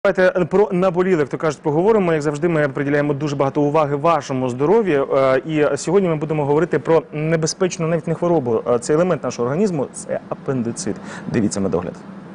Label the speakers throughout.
Speaker 1: Давайте про наболіле, як то кажуть, поговоримо. Як завжди, ми приділяємо дуже багато уваги вашому здоров'ю. І сьогодні ми будемо говорити про небезпечну навіть не хворобу. Це елемент нашого організму – це апендицит. Дивіться медогляд.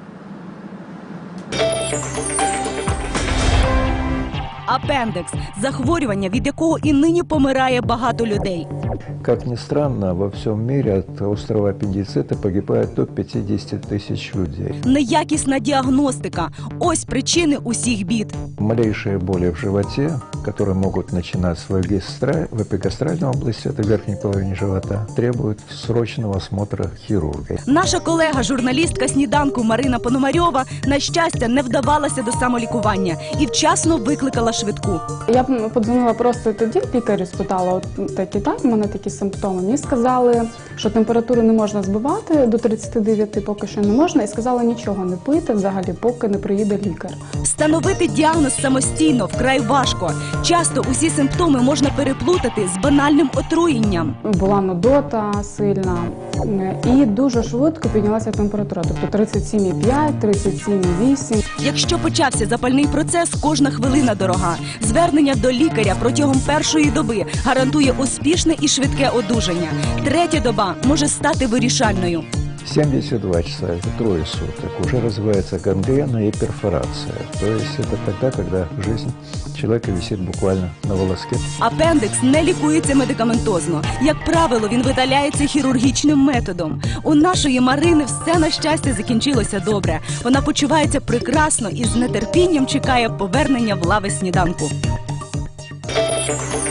Speaker 2: Апендекс – захворювання, від якого і нині помирає багато людей.
Speaker 3: Как ни странно, во всем мире от острого аппендицита погибает до 50 тысяч людей.
Speaker 2: Неякісна діагностика – ось причини усіх бід.
Speaker 3: Малейшие боли в животе, которые могут начинаться в эпигастральной области, это верхней половине живота, требуют срочного осмотра хирурга.
Speaker 2: Наша колега, журналістка «Сніданку» Марина Пономарьова, на щастя, не вдавалася до самолікування і вчасно викликала швидку.
Speaker 4: Я подзвонила просто тоді, лікарю спитала, от так, в мене такі симптоми. Мені сказали, що температуру не можна збивати, до 39 поки що не можна, і сказали нічого не пити взагалі, поки не приїде лікар.
Speaker 2: Встановити діагноз самостійно вкрай важко. Часто усі симптоми можна переплутати з банальним отруєнням.
Speaker 4: Була нудота сильна і дуже швидко піднялася температура, тобто 37,5, 37,8.
Speaker 2: Якщо почався запальний процес, кожна хвилина дорога. Звернення до лікаря протягом першої доби гарантує успішне і швидке одужання. Третя доба може стати вирішальною.
Speaker 3: 72 часа, это трое суток, уже развивается гангрена и перфорация. То есть это тогда, когда жизнь человека висит буквально на волоске.
Speaker 2: Апендикс не лікується медикаментозно. Як правило, він видаляється хірургічним методом. У нашої Марини все, на щастя, закінчилося добре. Вона почувається прекрасно і з нетерпінням чекає повернення в лави «Сніданку».